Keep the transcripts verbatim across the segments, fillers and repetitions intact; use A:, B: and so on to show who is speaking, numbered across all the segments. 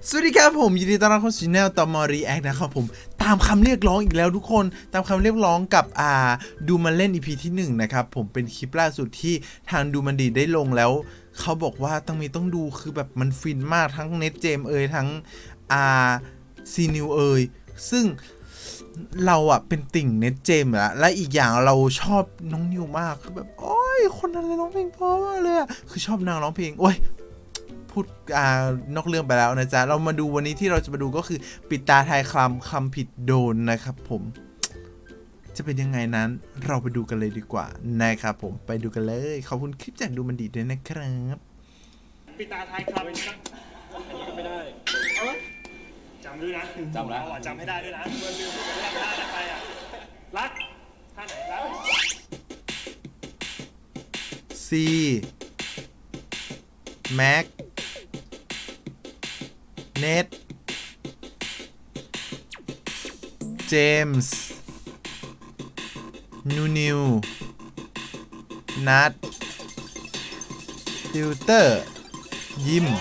A: สวัสดีครับผมยินดีต้อนรับเข้าสู่ช่องตอมอรีแอคนะครับผมตามคำเรียกร้องอีกแล้วทุกคนตามคำเรียกร้องกับอ่าดูมันเล่น อี พี ที่หนึ่งนะครับผมเป็นคลิปล่าสุดที่ทางดูมันดีได้ลงแล้วเขาบอกว่าต้องมีต้องดูคือแบบมันฟินมากทั้งเน็ตเจมเอยทั้งอ่าซีนิวเอยซึ่งเราอะเป็นติ่งเน็ตเจมอะและอีกอย่างเราชอบน้องนิวมากคือแบบโอ้ยคนนั้นเลยร้องเพลงเพราะมากเลยอะคือชอบนางร้องเพลงโอ้ยพูดอ่านอกเรื่องไปแล้วนะจ๊ะเรามาดูวันนี้ที่เราจะมาดูก็คือปิดตาทายคำคำผิดโดนนะครับผมจะเป็นยังไงนั้นเราไปดูกันเลยดีกว่านะครับผมไปดูกันเลยขอบคุณคลิปจากดูมันดีด้วยนะครับ
B: ปิดตาทายคำอันนี้ก็ไม่ได้จำด้วยนะจำแล้วจำให้ได้ด้วยนะเมื่อลืมเรื่องท่าอะไรไปอ่ะรักท่าไหนรัก
A: C Mac Net James นูนิวนัทติวเตอร์ยิม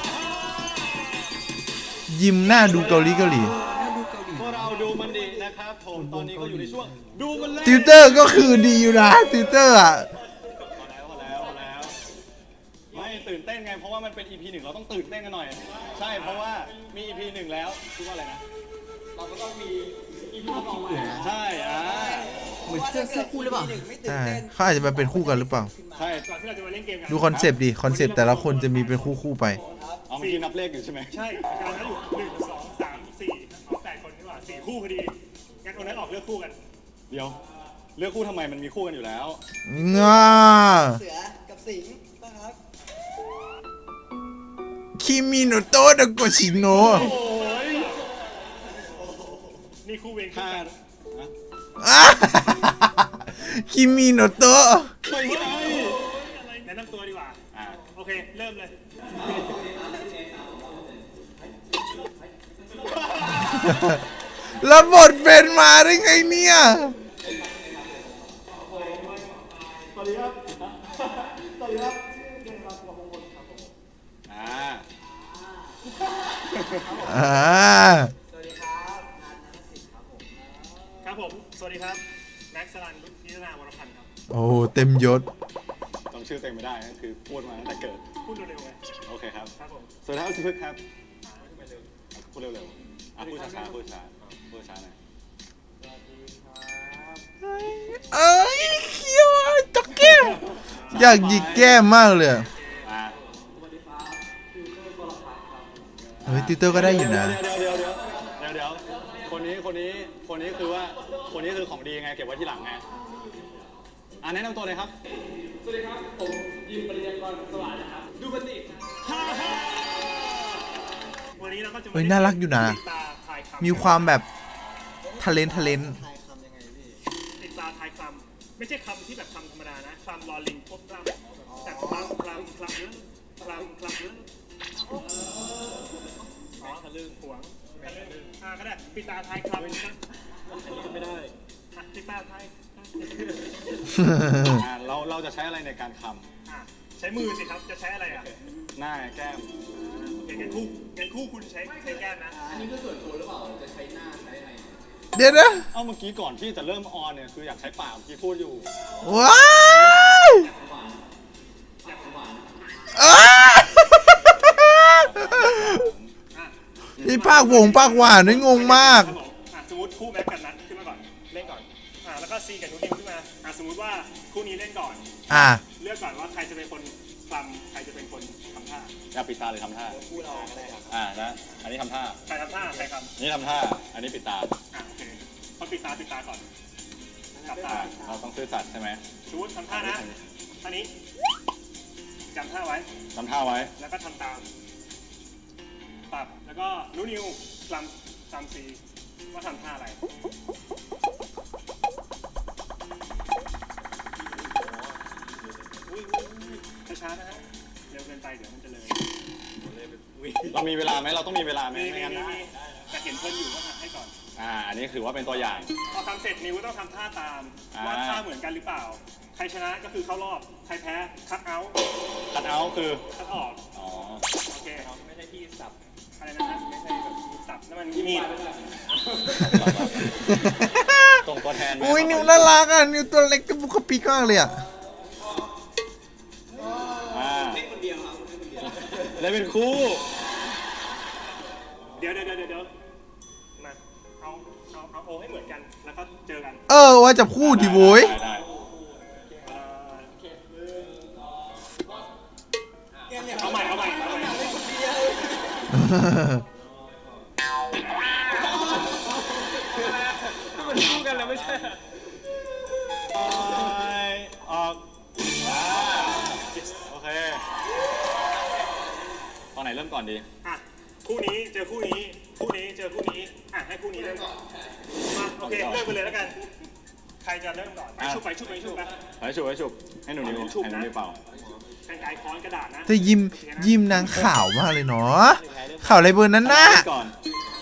A: ยิมหน้าดูเกาหลีเกาหลี
B: พวกเราดูมันดีนะครับผมตอนนี้ก็อยู่ในช่วงดูมันเล่น
A: ติวเตอร์ก็คือดีอยู่นะติวเตอร์อ่ะ
B: พอแล้วพอแล้วพอแล้วไม่ตื่นเต้นไงเพราะว่ามันเป็น อี พี หนึ่งเราต้องตื่นเต้นกันหน่อยใช่เพราะว่ามี อี พี หนึ่งแล้วคิดว่าอะไรนะเราก็ต้องมี อี พี สองใช่อ่า
C: เหมือนเสื้อเสื้อคู่หรือเปล่า
A: ใช่เขาอาจจะมาเป็นคู่กันหรือเปล่า
B: ใช่ก่อนที่เราจะมาเล่นเกมกัน
A: ดูคอนเซปต์ดิคอนเซปต์แต่ละคนจะมีเป็นคู่คู่ไป
B: เอาเมื่อกี้นับเลขอยู่ใช่ไหมใช่กำลังนับอยู่หนึ่งสองสามสี่เอาแปดคนนี่หว่าสี่คู่พอดีงั้นคนนั้นออกเลือกคู่กันเดี๋ยวเลือกคู่ทำไมมันมีคู่กันอยู่แล้ว
A: ง่า
C: เสือกับสิงห์นะครับ
A: คิมิโนโตะดะโกชิโนะ
B: โอ้ยนี่คู่เวงคู่กัน
A: คิมิโนโตะ
B: ไม่ใช่แนะนำตัวดีกว่าโอเคเริ่มเลย
A: แล้วบทเป็นมาได้ไงเนี่ย
B: สวัสดีครับสวัสดีครับชื่อเดนรัตน์วงศ์ครับผมอ่า
A: อ่า
C: สวัสดีครับนันนันสิทธิ์ครับผม
B: ครับผมสวัสดีครับแม็กซ์สลันนิตนาวรพันธ์ครับ
A: โอ้เต็มยศ
B: จำชื่อเต็มไม่ได้ก็คือพูดมาตั้งแต่เกิดพูดเร็วๆไงโอเคครับครับผมสวัสดีครับสิพึกครับพูดเร็วๆอ่ะพูดช้าๆพูดช้าพูดช้าหน่อย
A: เอ้ยเคี้ยวจักแก้มอยากหยิกแก้มมากเลยเฮ้ยติวเตอร์ก็ได้อยู่นะ
B: เดี๋ยวเดี๋ยวเดี๋ยวเดี๋ยวเดี๋ยวคนนี้คนนี้คนนี้คือว่าคนนี้คือของดีไงเก็บไว้ที่หลังไงอ่าแนะนำตัวเลยครับสวัสดีครับผมยิมปริญญากรสวัสดิ์นะครับดูบันดิวันนี้เราก็จะ
A: เฮ้ยน่ารักอยู่นะมีความแบบทะเลนทะเลน
C: ทายคำยังไงพี่
B: ติดตาทายคำไม่ใช่คำที่แบบคำธรรมดานะคำลอลิงพบกล้ามแต่คำคำคำเยอะคำคำเยอะอ๋อทะลึ่งหวงอ่าก็ได้ปิดตาทายคำอันนี้ก็ไม่ได้ปิดตาทายเราเราจะใช้อะไรในการคำใช้มือสิครับจะใช้อะไรอ่ะหน้าแก้มงั้นคู่งั้นคู่คุณใช้ใช้แก้มนะอันนี้ก็ส่วนตัวหรือเปล่าจะใช้หน้าใช้อะไร
A: เดี๋ยวนะ
B: เอาเมื่อกี้ก่อนที่จะเริ่มออนเนี่ยคืออยากใช้ปากเมื่อกี้พูดอยู่
A: ว้ายนี่ภาควงภาคหวานนี่งงมาก
B: สมมติคู่แม็กกันนัดขึ้นมาก่อนเล่นก่อนอ่าแล้วก็ซีกับนูนิวขึ้นมาอ่าสมมติว่าคู่นี้เล่นก่อน
A: อ่า
B: เลือกก่อนว่าใครจะเป็นคนทำใครจะเป็นคนทำท่าอยากปิดตาหรือทำท่าคู่เราก็ได้ครับอ่านะอันนี้ทำท่าใครทำท่าใครทำนี่ทำท่าอันนี้ปิดตาอ่าโอเคพอปิดตาปิดตาก่อนจับตาเราต้องซื่อสัตย์ใช่ไหมสมมติทำท่านะท่านี้จำท่าไว้จำท่าไว้แล้วก็ทำตามปรับแล้วก็นูนิวลำลำซีว่าทำท่าอะไรช้าๆนะฮะเร็วเกินไปเดี๋ยวมันจะเลยเรามีเวลาไหมเราต้องมีเวลาไหมไม่งั้นได้แต่เห็นเพื่อนอยู่ก็ทำให้ก่อนอ่าอันนี้ถือว่าเป็นตัวอย่างพอทำเสร็จนิวต้องทำท่าตามว่าท่าเหมือนกันหรือเปล่าใครชนะก็คือเข้ารอบใครแพ้คัทเอาท์คัทเอาท์คือคัทออกอ๋อโอเคไม่ใช่ที่สับอะไรนะฮะไม่ใช่นั่นมันมีดส่งตัวแทน
A: อุ้ยนิวน่ารักอ่ะนิวตัวเล็กกระปุกกระปิกมากเลยอ่ะ
B: อ่าเล่นคนเดียวเล่นเป็นคู่ เดี๋ยวเดี๋ยวเดี๋ยวเดี๋ยวมาเอาเอาเอาโอให้เหมือนกันแล้วก็เจอกัน
A: เออว่าจะพูดดิโว้ย
B: ได้ เอาใหม่เอาใหม่เอาใหม่มันคู่กันแล้วไม่ใช่ออกโอเคตอนไหนเริ่มก่อนดีอ่ะคู่นี้เจอคู่นี้คู่นี้เจอคู่นี้อ่ะให้คู่นี้เริ่มก่อนมาโอเคเริ่มไปเลยแล้วกันใครจะเริ่มก่อนไปชุบไปชุบไปชุบไปไปชุบไปชุบให้หนูนิวให้หนูนิวเป่ากันไกรค้อนกระดาษนะ
A: แต่ยิ้มยิ้มนางข่าวมากเลยเนาะข่าวอะไรเบอร์นั้นน่ะ
B: ก่อน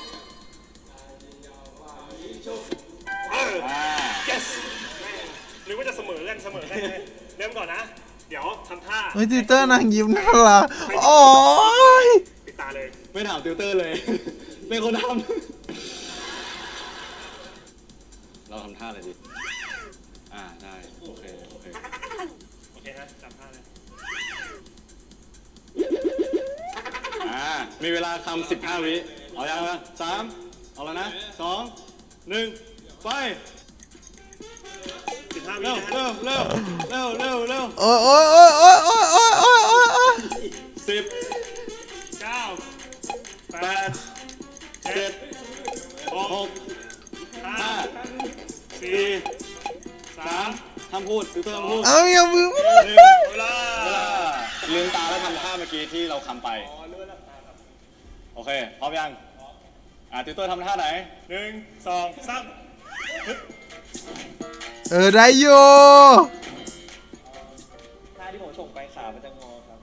B: เออ yes หรือว่าจะเสมอกันเสมอกันเลยเริ่มก่อนนะเดี๋ยวทำท่า
A: เฮ้ยติวเตอร์นางยิ้มน่ารักโอ้ย
B: ปิดตาเลยไม่ถามติวเตอร์เลยเป็นคนทำเราทำท่าอะไรดีอ่าได้โอเคโอเคโอเคนะจำท่าเลยอ่ามีเวลาทำสิบห้าวิเอาอย่างละสามเอาแล้วนะสองหนึ่งไปสิบห้าวิเร็วเร็วเร็วเร็วเร็วเร็ว
A: โอ้ยโอ้ยโอ้ยโอ้ยโอ้ยโอ้ยโอ้ยโอ้ยโอ้ย
B: สิบเก้าแปดเจ็ดหกห้าสี่สามห้ามพูดติวเตอร์ห้ามพูด
A: เอาอย่ามือ
B: หนึ่งเวลาลืมตาแล้วทำท่าเมื่อกี้ที่เราทำไปโอเคพร้อมยังอ่าติวเตอร์ทำท่าไหนหนึ่งสองสาม
A: เออได้อยู่
C: ท่าที่ผมส่งไปขามันจะงอครับ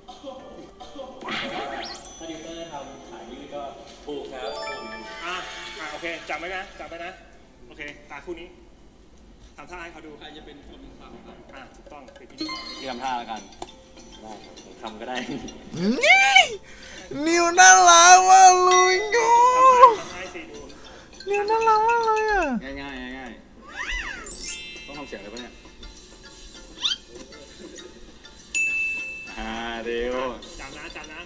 C: ถ้าดิวเตอร์ทำขายืดก็ถูกครับ
B: อ่ะอ่ะโอเคจำไว้นะจำไว้นะโอเคตาคู่นี้ทำท่าให้เขาดูใครจะเป็นคนทำครับอ่ะถูกต้องเป็นพิธีกรที่ทำท่าแล้วกันได้ทำก็ได้
A: นี่นิวน่ารักมากเลยโง่
B: ทำให้สิดู
A: นิวน่ารักมากเลยอ่ะ
B: ง่ายง่ายง่ายต้องทำเสียงอะไรปะเนี่ยอ่าเดี๋ยวจำนะจำนะ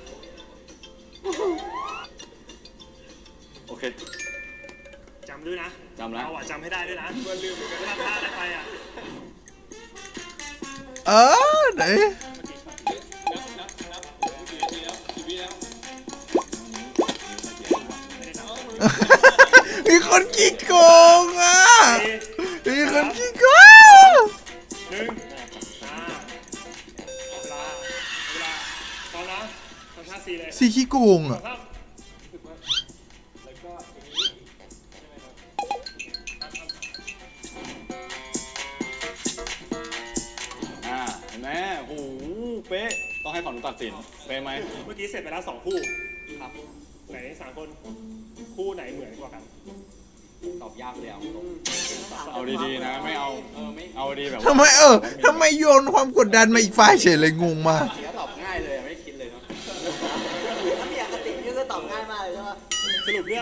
B: โอเคจำด้วยนะจำแล้วเอาอ่ะจำให้ได้ด้วยนะเพื่อนลืมเหมือนกันทำท่าอะไรไปอ่ะ
A: เออไหนมีคนขี้โกงอ่ะมีคนขี้โกง
B: หนึ่งอ่าเวลาเวลาพร้อมนะทำท่าซีเลย
A: สีขี้โกงอ่ะ
B: ครับอ่าเห็นไหมโอ้โหเป๊ะต้องให้ฝั่งนู้นตัดสินเป๊ะไหมเมื่อกี้เสร็จไปแล้วสองคู่ครับไหนสามคนคู่ไหนเหมือนกว่ากัน
C: ตอบยากเลยเอา
B: เอาดีๆนะไม่เอาเอาดีแบบ
A: ทำไมเออทำไมโยนความกดดันมาอีกฝ่ายเฉยเลยงงมาก
C: เสียตอบง่ายเลยไม่คิดเลยเนาะถ้ามีอคตินี่ก็ตอบง่ายมากเลยใช่ปะ
B: สรุปเรื่อง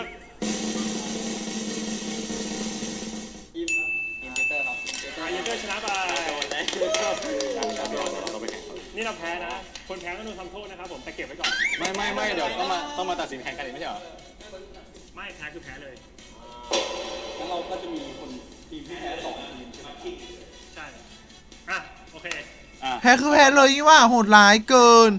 C: อิมอิมเตอร์ครับ
B: อายูเตอร์ชนะไปนี่เราแพ้นะคนแพ้ต้องโดนทำโทษนะครับผมแต่เก็บไว้ก่อนไม่ไม่ไม่เดี๋ยวต้องมาต้องมาตัดสินแข่งกันอีกไม่ใช่เหรอไม่แพ้คือแพ้เลย
C: แล้วเราก็จะมีคนทีมที่แพ้สองทีมใช่ไหม
B: ใช่อ่ะโอเค
A: แพ้คือแพ้เลยนี่ว่าโหดร้ายเกิน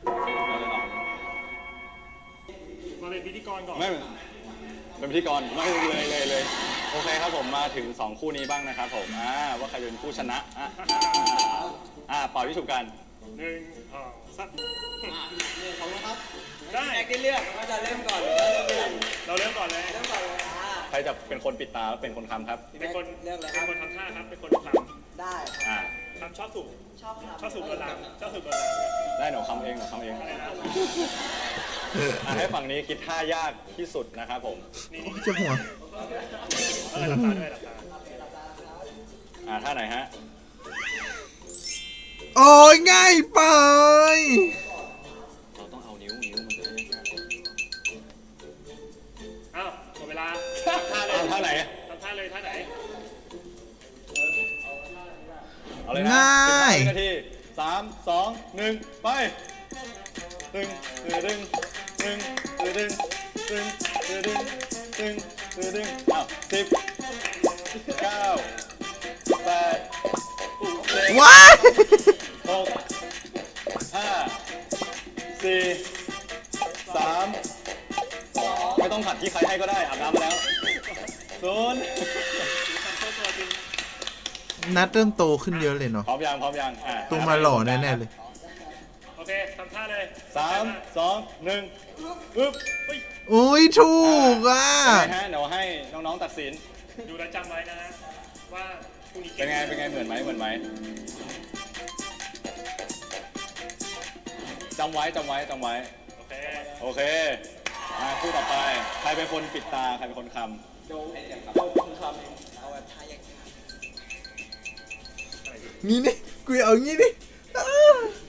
B: มาเป็นพิธีกรก่อน
D: ไม่เป็นพิธีกรไม่เลยเลยเลยโอเคครับผมมาถึงสองคู่นี้บ้างนะครับผมอ่าว่าใครเป็นผู้ชนะอ่ะอ่าเป่าที่ถูกกัน
B: หนึ่งสองสาม
C: ขอบคุณครับ
B: ได้
C: แจ็คได้เลือกว่าจะเริ่มก่อนหรือว่าเริ่มหลัง
B: เราเริ่มก่อนเลย
C: เริ่มก่อนเลยอ่า
D: ใครจะเป็นคนปิดตาแล้วเป็นคนคำครับ
B: เป็นคน
C: เลือกเลยค
B: เป็
C: รั
B: น
C: บ
B: คนทำท่าครับเป็นคนทำ
C: ได้
D: อ่า
B: ทำชอบถูก
C: ชอบครับ
B: ชอบถูกกระดังชอบถูกกระดัง
D: ได้หนูคำเองหนูคำเอง
B: อะไรนะ
D: อ่าให้ฝั่งนี้คิดท่ายากที่สุดนะครับผม
B: นี่นี่
A: เจ็บหัว
B: เออหลับตาด้วยหลับตา
D: อ่าท่าไหนฮะ
A: โอ้ยง่ายไป
D: เราต้องเอานิ้วนิ้วมันจะได้ง่าย
B: อ้าว
D: หนึ่งไปตึงตึงตึงตึงตึงตึงตึงตึงตึงตึงอ้าวสิบเก้าแปดเจ็ด
A: ว้าย
D: หกห้าสี่สามสองไม่ต้องผัดที่ใครให้ก็ได้อาบน้ำมาแล้วศูนย์
A: นัดเริ่มโตขึ้นเยอะเลยเนาะ
D: พร้อมยังพร้อมยังอ่ะ
A: โตมาหล่อแน่ๆเลย
B: โอเคทำท่าเลย
D: สามสองหนึ่งอึ๊บ
B: เฮ้ย
A: อุ้ยถูกอ่ะ
D: เป็นไงฮะเดี๋ยวให้น้องๆตัดสิน
B: ดูแลวจำไว้นะฮะว่าพรุ่งนี้
D: เป็นไงเป็นไงเหมือนไหมเหมือนไหมจำไว้จำไว้จำไว้
B: โอเค
D: โอเคมาคู่ต่อไปใครเป็นคนปิดตาใครเป็นคนค
C: โดนโดนคุณคำเอาแบบท่ายาก
A: งี้นี่กูเอางี้ดิอ้า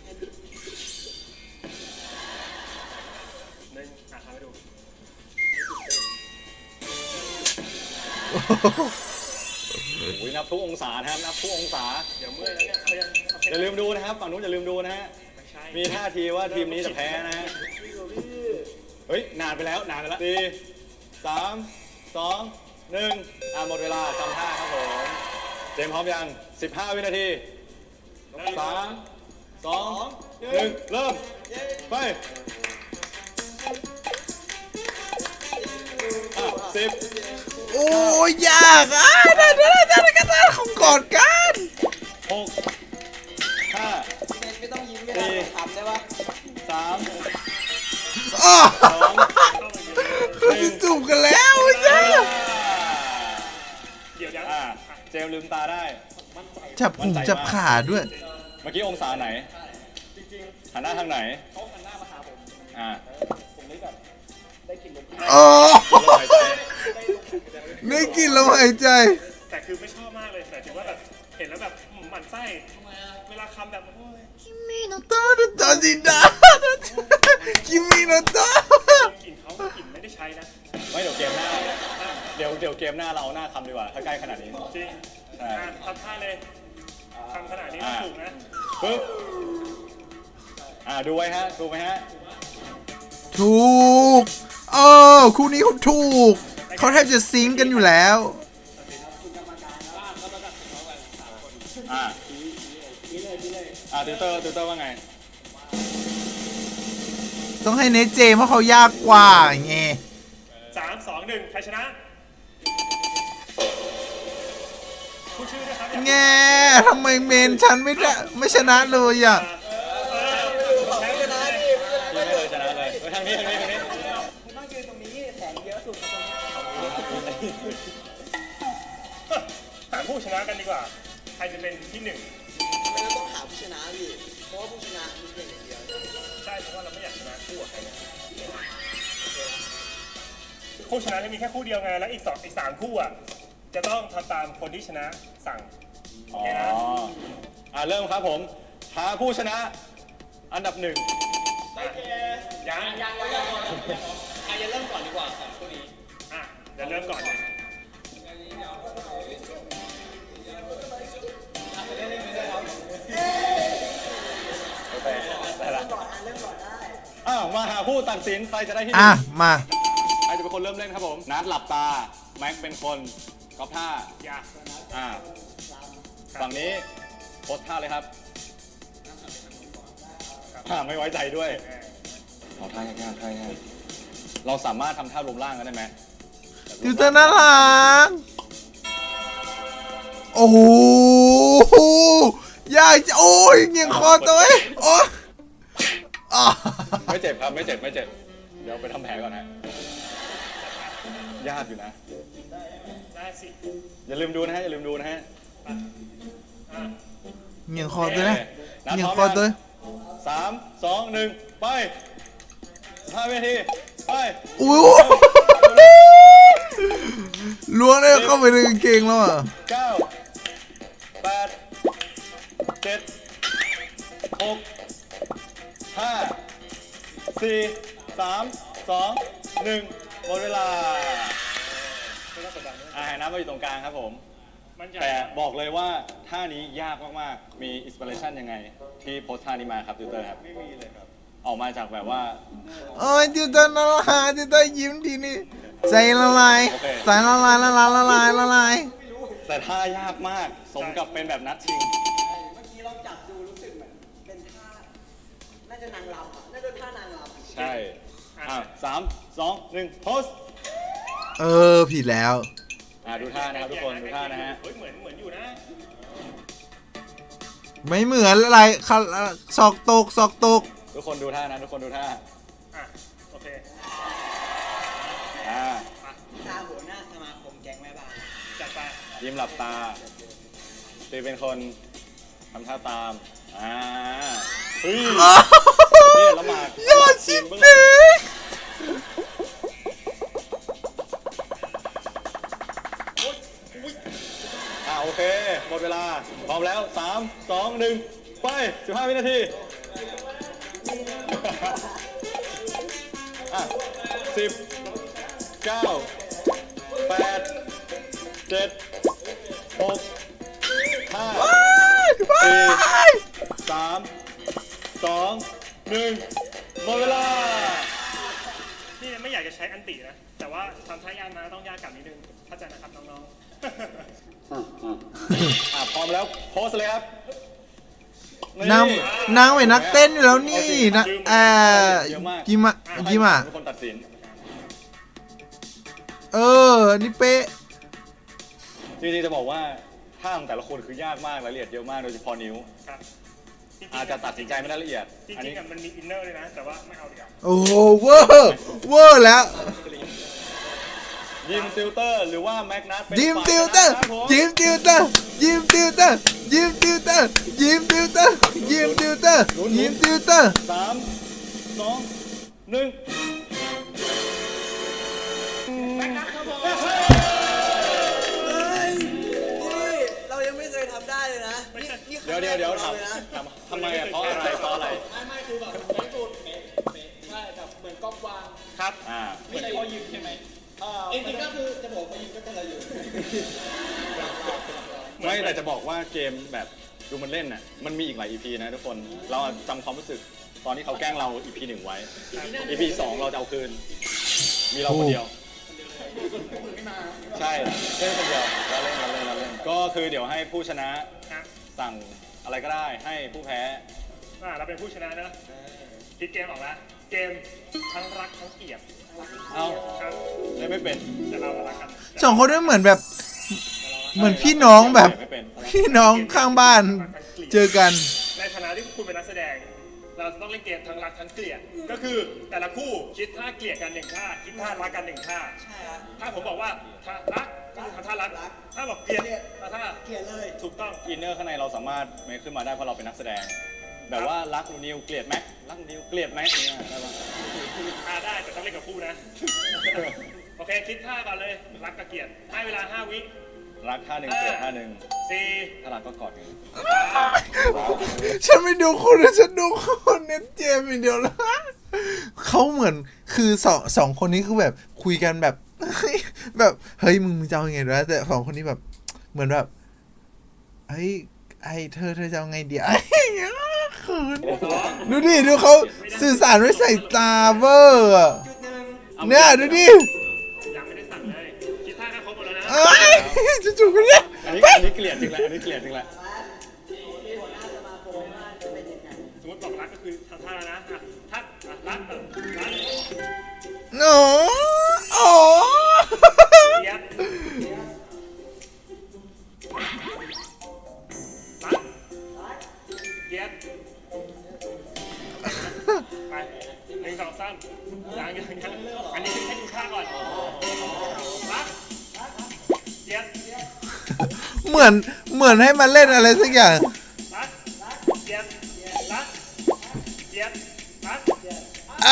B: หนึ่งอ่ะทำให้ดู
D: ำโอ้ยนับทุกองศานะครับนับทุกองศา
B: เดี๋ยวเมื่อยแล้วเนี่ยเอายังโอเค
D: อย่าลืมดูนะครับฝั่งนู้นอย่าลืมดูนะฮะ
B: ไม่ใช่
D: มีท่าทีว่าทีมนี้จะแพ้นะฮะเฮ้ยนานไปแล้วนานไปแล้วสี่สามสองหนึ่งอ่ะหมดเวลาจำท่าครับผมเจมส์พร้อมยังสิบห้าวินาทีสามสองหนึ่งเริ่มไปอ่ะสิบ
A: โอ้ยยากอ่ะได้ได้ได้ได้กันได้ของกอดกัน
D: หกห้า
C: ไม่ต้องยิ้มไม่ได้ทำได้ปะ
D: สาม
A: อ้อ
D: สอง
A: เขาจะจูบกันแล้วยาก
B: เดี๋ยวยัง
D: อ่ะเจมส์ลืมตาได้
A: จับหูจับขาด้วย
D: เมื่อกี้องศาไหนหันหน้าทางไหน
C: เขาหันหน้ามาหาผม
D: อ่า
C: ผมเลยแบบได้กลิ่นลม
A: โอ้
D: ลมหายใจ
A: ได้กลินลมหายใจ
B: แต่คือไม่ชอบมากเลยแต่ถือว่าแบบเห็นแล้วแบบอืมหมั่นไส้เวลาคำแบบโอ้ย
A: 君の取るとじだ君のと
B: กลิ่นเขากลิ่นไม่ได้ใช้นะ
D: ไม่เดี๋ยวเกมหน้า เดี๋ยวเดี๋ยวเกมหน้าเราเอาหน้าคำดีกว่า ถ้าใกล้ขนาดนี้
B: จริง
D: ใช่
B: อ่ะทำท่าเลยทำขนาดนี้
D: อ่า
B: ถูกนะ
D: ปึ๊บอ่าดูไว้ฮะ ดูไหมฮะ
A: ถูกเออคู่นี้เขาถูก เขาแทบจะซิงค์กันอยู่แล้ว
D: อ่าอ่าติวเตอร์ติวเตอร์ว่าไง
A: ต้องให้เนเจเพราะเขายากกว่าไง
B: สามสองหนึ่งใครชนะพูดชื่อด้วยครับ
A: แง่ทำไมเมนฉันไม่ได้ไม่ชนะเลยอ่ะ
B: เออแพ้ชนะดิ
D: ที่ไม่เลยชนะเลยเฮ้ยทางนี้ทางนี้ทางนี้
C: คุณต้องยืนตรงนี้แสงเยอะสุดตรงนี้
B: หาผู้ชนะกันดีกว่า ใครจะเป็นที่หนึ่ง
C: ทำไมเราต้องหาผู้ชนะพี่เพราะว่าผู้ชนะมีเพียงอย่างเดียว
B: ใช่เพราะว่าเราไม่อยากชนะคู่กับใครนะคู่ชนะจะมีแค่คู่เดียวไงแล้วอีกสองอีกสามคู่อ่ะจะต้องทำตามคนที่ชนะสั่ง
D: อ๋อ อ่าเริ่มครับผมหาผู้ชนะ อันดับหนึ่ง
B: อ่ะยังยัง
C: ใครจะเริ่มก่อนดีกว่าสองคู่นี้
B: อ่ะเดี๋ยวเริ่มก่อนเลย
D: โอเคได้ละอ้าวมาหาผู้ตัดสินใครจะได้ที่ห
A: อ่ะ
D: นึ่ง
A: มา
D: ใครจะเป็นคนเริ่มเล่นครับผม นัดหลับตา แม็กเป็นคนก๊อปท่า
B: อยาก
D: อ่า ฝั่งนี้โพสท่าเลยครับอ่าไม่ไว้ใจด้วยเอาท่ายากๆท่ายากเราสามารถทำท่ารวมร่างกันได้ไหม
A: ติวเตอร์น่ารักโอ้โหยากจะโอ้ยเงียงคอตัวเองโอ้อ่ะ
D: ไม่เจ็บครับ ไม่เจ็บ ไม่เจ็บ เดี๋ยวไปทำแผลก่อนฮะ ยากอยู่นะ
B: ได้สิ
D: อย่าลืมดูนะฮะ อย่าลืมดูนะฮะ
B: อ่ะ
A: เงียงคอตัวนะ
D: นัด
A: เงีย
D: พ
A: ง
D: ร้อม
A: คอ
D: ยัง
A: ตัว
D: สามสองหนึ่งไปห้าวินาที ไป
A: อู้ล้วงได้เข้าไปในกางเกงแล้วอ่ะ
D: เก้าแปดเจ็ดหกห้าสี่สามสองหนึ่งหมดเวลา
B: ไม่ต้องกดดันนะ
D: อ่าให้น้ำมาอยู่ตรงกลางครับผม
B: มันใหญ่
D: แต่บอกเลยว่าท่านี้ยากมากๆ มีอินสปิเรชันยังไง ที่โพสท่านี้มาครับติวเตอร์ครับ
B: ไม่มีเลยครับ
D: ออกมาจากแบบว่า
A: โอ้ยติวเตอร์น่ารักติวเตอร์ยิ้มทีนี่ใจละลาย
D: โอเค
A: ใจละลายละลายละลายละลาย
D: แต่ท่ายากมาก สมกับเป็นแบบนัดชิง
C: เมื่อกี้ลองจับดูรู้สึกเหมือนเป็นท่า น่าจะนางรำอ่ะ น่าจะท่านางรำ
D: ใช่อ่ะสามสองหนึ่งโพส
A: เออผิดแล้ว
D: อ่ะดูท่านะครับทุกคนดูท่านะฮะ
B: เฮ้ยเหมือนเหมือนอยู่นะ
A: ไม่เหมือนอะไรค่ะศอกตกศอกตก
D: ทุกคนดูท่านะทุกคนดูท่า
B: อ่ะโอเค
D: อ่า
C: ท่าหัวหน้าสมาคมแก๊งแม่บ้าน
B: จัดไป
D: ยิ้มหลับตาตีเป็นคนทำท่าตามอ่าเฮ้ยนี่ละหมาด
A: ยอดชิบ
D: เบื้องห
A: เป๊
D: ลัง
A: ะ
D: อ่าโอเค หมดเวลา พร้อมแล้ว สาม สอง หนึ่ง ไป สิบห้า วินาที อ่ะสิบ เก้า แปด เจ็ด หก ห้า สี่ สาม สอง หนึ่ง หมดเวลา
B: นี่ไม่อยากจะใช้อันตินะ แต่ว่าทำท่ายากนะต้องยากกลับนิดนึงเข้าใจนะครับน้องๆ
D: อ่ะพร้อมแล้วโพสเลยครับ
A: นางนางเป็นนักเต้นอยู่แล้วนี่นะเอ่อยิมะยิมะ
D: ทุกคนตัดสิน
A: เออนี่เป๊ะ
D: จริงๆจะบอกว่าท่าของแต่ละคนคือยากมากรายละเอียดเยอะมากโดยเฉพาะนิ้ว
B: ครับจริงๆ
D: อาจจะตัดสินใจไม่ได้ละเอียด
B: จ
D: อัน
B: ริ
D: นี้
B: งๆอะมันมีอินเนอร์เลยนะ แต่ว่าไม่เอาดีกว่า
A: โอ้โหเวอร์เวอร์แล้ว
D: ยิมติวเตอร์หรือว่าแมกนัสเป็น
A: ยิม
D: ฝ่าย
A: ติวเตอร์
D: ชนะครับผม
A: ยิมติวเตอร์ยิมติวเตอร์ยิมติวเตอร์ยิมติวเตอร์ยิมติวเตอร์ยิมติวเตอร์
D: สามสองหนึ่ง
C: นี่เรายังไม่เคยทำได้เลยนะ นี่นี่ค
D: เดี๋ยว
C: รั้ง
D: เดี๋ยว
C: แรก
D: เดี๋ยว
C: ของ
D: ถาม
C: ราเลยนะ
D: ถามทำไมอ่ะเพราะอะไรเพราะอะไร
C: ไม่ไม่คือแบบไม่สุดเป๊ะเป๊ะใช่แบบเหมือนก๊อปวาง
B: ครับ
D: อ่า
C: ไม่ใช่พอยิงใช่ไหมจริงๆก็คือจะบอกพอยิงก็เป็นอะไรอยู่
D: ไม่แต่จะบอกว่าเกมแบบดูมันเล่นน่ะมันมีอีกหลาย อี พี นะทุกคนเราจำความรู้สึกตอนที่เขาแกล้งเรา อี พี หนึ่งไว้ อี พี สองเราจะเอาคืน มีเราคนเดียว ใช่เล่นคนเดียวเราเล่นเราเล่นเราเล่นก็คือเดี๋ยวให้ผู้ชนะ
B: ฮะ
D: สั่งอะไรก็ได้ให้ผู้แพ้
B: อ่าเราเป็นผู้ชนะนะคิดเกมออกแล้ว เกมทั้งรักทั้งเกลียด
D: เอา
B: ครับ
D: เล่นไม่เป็น
B: แต่เรารักกัน
A: สองคนนี้เหมือนแบบ เหมือนพี่น้องแบบ
D: ไม่เป็น
A: พี่น้องข้างบ้าน เจอกัน
B: ในฐานะที่คุณเป็นนักแสดง เราจะต้องเล่นเกมทั้งรักทั้งเกลียด ก็คือแต่ละคู่คิดท่าเกลียดกันหนึ่งท่า คิดท่ารักกันหนึ่งท่า
C: ใช่ฮะ
B: ถ้าผมบอกว่าท่ารักก็คือท่ารัก ถ้าบอกเกลียดก็ท่า
C: เกลียดเลย
B: ถูกต้อง
D: อินเนอร์ข้างในเราสามารถเมคขึ้นมาได้เพราะเราเป็นนักแสดง แบบว่ารักหนูนิวเกลียดแม็กรักหนูนิวเกลียดแม็กเนี่ยได้ปะ
B: อ่าได้แต่ต้องเล่นกับคู่นะ โอเคคิดท่าก่อนเลยรักกับเกลียดให้เวลาห้าวิ
D: รักท่าหนึ่งเกลียดท่าหนึ่ง
B: สี่
D: ถ้ารักก็กอดกัน
A: ฉันไม่ดูคุณนะฉันดูคนเน็ตเจมอย่างเดียวแล้วเขาเหมือนคือสองสองคนนี้คือแบบคุยกันแบบ แบบเฮ้ยมึงมึงจะเอาไงด้วยแต่สองคนนี้แบบเหมือนแบบเฮ้ยไอเธอเธอจะเอาไงดีไอ้เงี้ยคืนดูดิดูเขาสื่อสารด้วยสายตาเวอร์อะ
C: จุดหนึ่ง
A: เนี่ยดูดิ
B: ยังไม่ได้สั่งเลย คิดท่าแค่ครบหมดแล้วนะ
A: เอ้ยจู่ๆกันเนี่ย
D: อันนี้อันนี้เกลียดจริงแหละอันนี้เกลียดจริงแหละ
C: ที่หัวหน้าสมาคมว่าจะเป็นยังไง
B: สมมติบอกรักก็คือท่าท่าแล้วนะอ่ะท่าอ่ะรักเออรัก
A: โอ้โอ้
B: เกลียดรักเกลียดไปหนึ่งสองสามยังยังยังอันนี้คือให้ดูท่าก่อนรักเกลียด
A: เหมือนเหมือนให้มาเล่นอะไรสักอย่าง
B: รักเกลียดรักเกลียดรัก
A: อ่ะ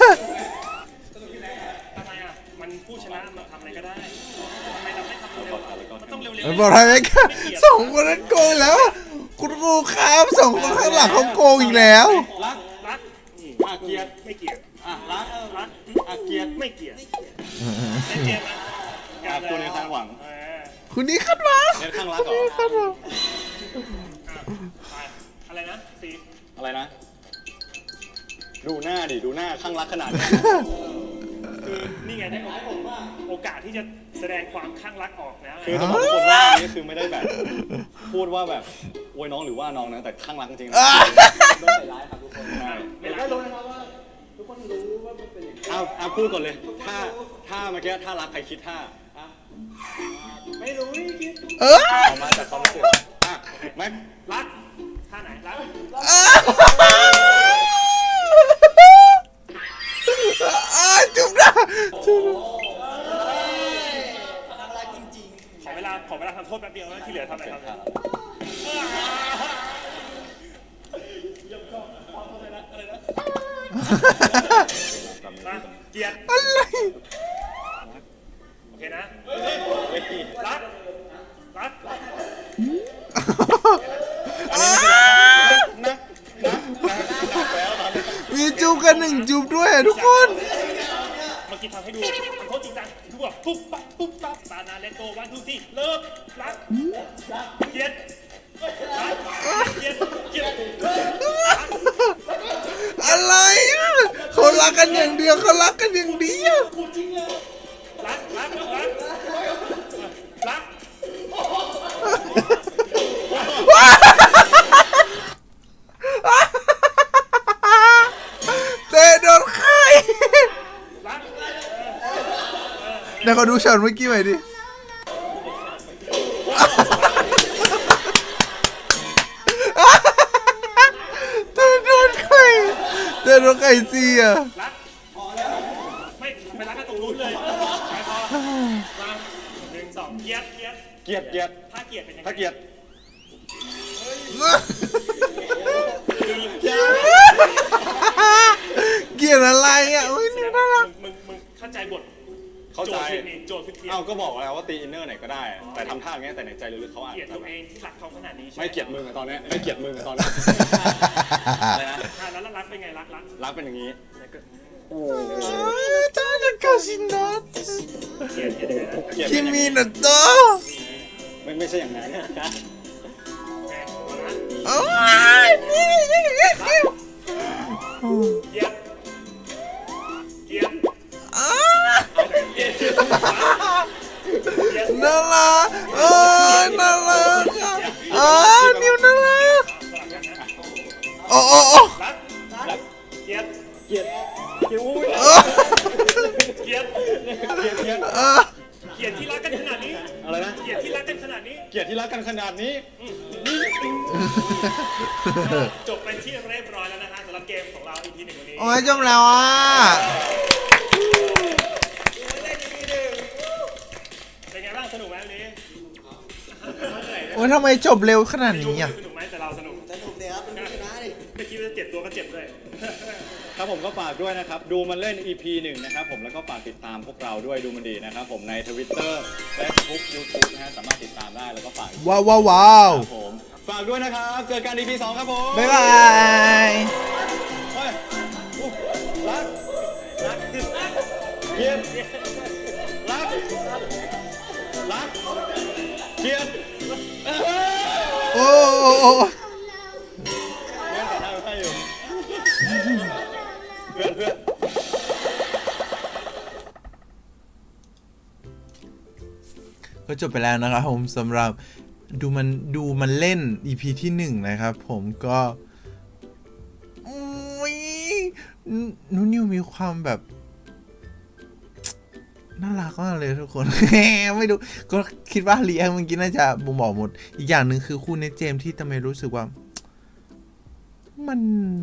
B: ทำไมอ่ะ มันผู้ชนะมันทำอะไรก็ได้ทำไมเราไม่ทำเร็วๆมันต้องเร็ว
A: มันบอกอะไรไหมครับสองคนนั้นโกงแล้ว คุณครูครับสองคนข้างหลังเขาโกงอีกแล้ว
D: รัก
B: รัก
D: อ่ะเกลียด
B: ไม่เกลียด
D: อ่ะรัก
B: รัก
D: อ่ะเกลียด
B: ไม่เกลียดเล่นเกมนะ
D: อ่ะคุณในข้างหวัง
B: เออ
A: คุณนี่คาดหวัง
D: เน้นข้างรักเหรอ
A: คาดหวัง
B: ไปอะไรนะซี
D: อะไรนะ ดูหน้าดิ ดูหน้าข้างรักขนาดนี้
B: คือนี่ไงได้โอกาสที่จะแสดงความข้างรักออกแล้วไง
D: คือจะบอกทุกคนว่าอันนี้คือไม่ได้แบบ พูดว่าแบบโวยน้องหรือว่าน้องนะ แต่ข้างรักจริงๆนะ
C: ไม่ใส่ร้ายครับทุกคน
D: ใช่
C: ไม่ได้รู้นะครับว่า ทุกคนรู้ว่ามันเป็นอย่างนี้
D: เอาเอาพูดก่อนเลย ถ้าถ้าเมื่อกี้ถ้ารักใครคิดท่า
C: ไม่รู้ไม่คิด
A: เออ
D: ออกมาจากความรู้สึกอ่ะแม็ก
B: รักท่าไหนรัก
A: อ่าจุ๊บนะจุ๊บ
C: น่ารักจริง
B: ขอเวลาขอเวลาทำโทษแป๊บเดียวนะที่เหลือทำอะไรทำอะไรมาเกียรติ
A: อะไร
B: โอเคนะรักรัก
D: อันนี้ไม่ใช่รักนะนะนะนะแล้วตอนนี้
A: มีจุ๊บกันหนึ่งจุ๊บด้วยอะทุกคน
B: เมื่อกี้ทำให้ดูทำโทษจริงจังดูแบบปุ๊บปั๊บปุ๊บปั๊บตานาเลโตวันทุกที่เลิกรักเกียรติรักเกียรติเกียรติ
A: อะไรอ่ะเขารักกันอย่างเดียวเขารักกันอย่างเดียว
B: รักรักรักรัก
A: เตะโดนใคร
B: รัก
A: เดี๋ยวเขาดูช็อตเมื่อกี้หน่อยดิเตะโดนใครเตะโดนใครสิอ่ะ
B: รักไม่ไปรักกันตรงนู้นเลยไปพอมาหนึ่งสองเกียรติเกียรติ
D: เกลียดเกลียด
B: ถ้าเกียรติเป็นยังไง
D: ถ้าเกลียด
A: เกลียดอะไรอ่ะอุ้ยน่ารัก
B: มึงมึงเข้าใจบท
D: เข้าใจ
B: โจทย์ผิดนี่โจทย์ผิดเพี้ยน
D: เอ้าก็บอกแล้วว่าตีอินเนอร์ไหนก็ได้ แต่ทำท่าอย่างเงี้ยแต่ในใจลึกๆเขาอาจ
B: เกลียด
D: จะ
B: ตัวเองที่รักเขาขนาดนี้ใช่ห
D: ไม่เกลียดมึงอะตอนเนี้ยไม่เกลียดมึงอะตอนเนี้ยอะไรนะ
B: อ่าแล้วรักเป็นไงรักรัก
D: รักเป็นอย่างนี้
A: 誰かしな
B: เกลียดเกลียดยังไงนะ
D: เกลียดเป็นอย่าง
A: 君
D: นี้
A: のと
D: ไม่ไม่ใช่อย่างนั้น
B: โอเคเอานะ
A: おい
B: เกียรติเกียรติ
A: あ
B: เกียรติ
A: ーならあーならあーニューなら
B: สลับกันนะ
A: おおお
B: รักรักเกียรติ
D: เกลียดเกลียดอุ้ย
B: เกียรติ
D: เกลียดเกลียด
A: あ
B: เกียรติที่รักกันขนาดนี้
D: อะไรนะ
B: เกียรติที่รักกันขนาดนี้
D: เกลียดที่รักกันขนาดนี้
B: จบเป็นที่เรียบร้อยแล้วนะฮะสำหรับเกมของเรา อี พี หนึ่งวันนี้
A: โอ้ยจบแล้วอ่ะ
B: เป็นไงบ้างสนุกไหมวันนี้
A: โอ้ยทำไมจบเร็วขนาดนี้อ่ะ
B: สนุกไหมแต่เราสนุก
C: ๆสนุกเลยครับเป็นผู้ชนะดิ
B: เมื่อกี้มันจะเจ็บตัวก็เจ็บด้วย
D: ครับผมก็ฝากด้วยนะครับ ดูมันเล่น อี พี หนึ่งนะครับผมแล้วก็ฝากติดตามพวกเราด้วยดูมันดีนะครับผมใน Twitter Facebook YouTube นะฮะสามารถติดตามได้แล้วก็ฝาก
A: ว้าวว้าวว้าว
D: ครับผมฝากด้วยนะครับเจอกัน อี พี สองครับผม
A: บ๊ายบาย
D: เฮ้ยอุ๊ยรักรักเกลียดรักรักเกลียดเอ้ย
A: โอ้โอ้โอ้
D: แม่งแต่หน้าไม่อยู่เพื่อนเพื่อน
A: ก็จบไปแล้วนะครับผมสำหรับดูมันดูมันเล่น อี พี ที่หนึ่งนะครับผมก็อุ๊ยนูนิวมีความแบบน่ารักมากเลยทุกคน ไม่รู้ก็คิดว่ารีแอคเมื่อกี้น่าจะบ่งบอกหมด อีกอย่างหนึ่งคือคู่เนทเจมส์ที่ทำไมรู้สึกว่า มัน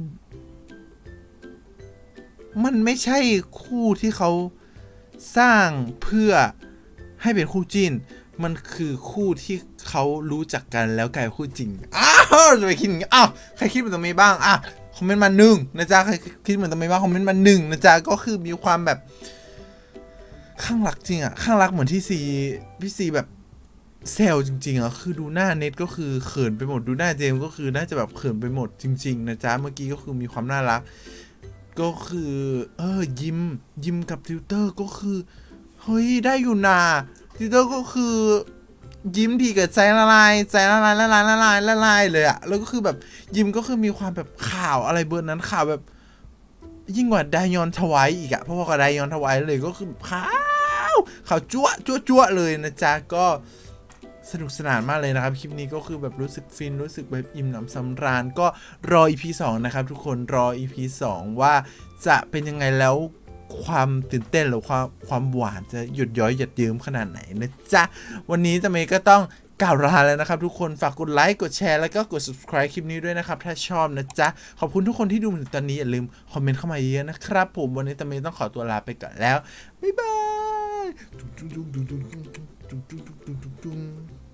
A: มันไม่ใช่คู่ที่เขาสร้างเพื่อให้เป็นคู่จิ้น มันคือคู่ที่เขารู้จักกันแล้วกลายเป็นคู่จริง อ้าวจะไปคิดอย่างนี้อ้าวใครคิดเหมือนตรงนี้บ้างอ่ะคอมเมนต์มาหนึ่งนะจ๊ะใครคิดเหมือนตรงนี้บ้างคอมเมนต์มาหนึ่งนะจ๊ะก็คือมีความแบบข้างรักจริงอ่ะข้างรักเหมือนที่ซีพี่ซีแบบเซลจริงๆอ่ะคือดูหน้าเน็ตก็คือเขินไปหมดดูหน้าเจมส์ก็คือน่าจะแบบเขินไปหมดจริงๆนะจ๊ะเมื่อกี้ก็คือมีความน่ารักก็คือเออยิ้มยิ้มกับติวเตอร์ก็คือเฮ้ยได้อยู่นาติวเตอร์ก็คือยิ้มทีเกิดใจละลายใจละลายละลายละลายละลายเลยอะแล้วก็คือแบบยิ้มก็คือมีความแบบข่าวอะไรเบอร์นั้นข่าวแบบยิ่งกว่าไดยอนทวายอีกอะเพราะว่ากับไดยอนทวายเลยก็คือข่าวข่าวจั่วจั่วจั่วเลยนะจ๊ะก็สนุกสนานมากเลยนะครับคลิปนี้ก็คือแบบรู้สึกฟินรู้สึกแบบอิ่มหนำสำราญก็รอ อี พี สองนะครับทุกคนรอ อี พี สองว่าจะเป็นยังไงแล้วความตื่นเต้นหรือความความหวานจะหยุดย้อยหยัดเยิ้มขนาดไหนนะจ๊ะวันนี้จะเมย์ก็ต้องกล่าวลาแล้วนะครับทุกคนฝากกดไลค์กดแชร์แล้วก็กด subscribe คลิปนี้ด้วยนะครับถ้าชอบนะจ๊ะขอบคุณทุกคนที่ดูมาถึงตอนนี้อย่าลืมคอมเมนต์เข้ามาเยอะนะครับผมวันนี้ตะเมย์ต้องขอตัวลาไปก่อนแล้วบ๊ายบาย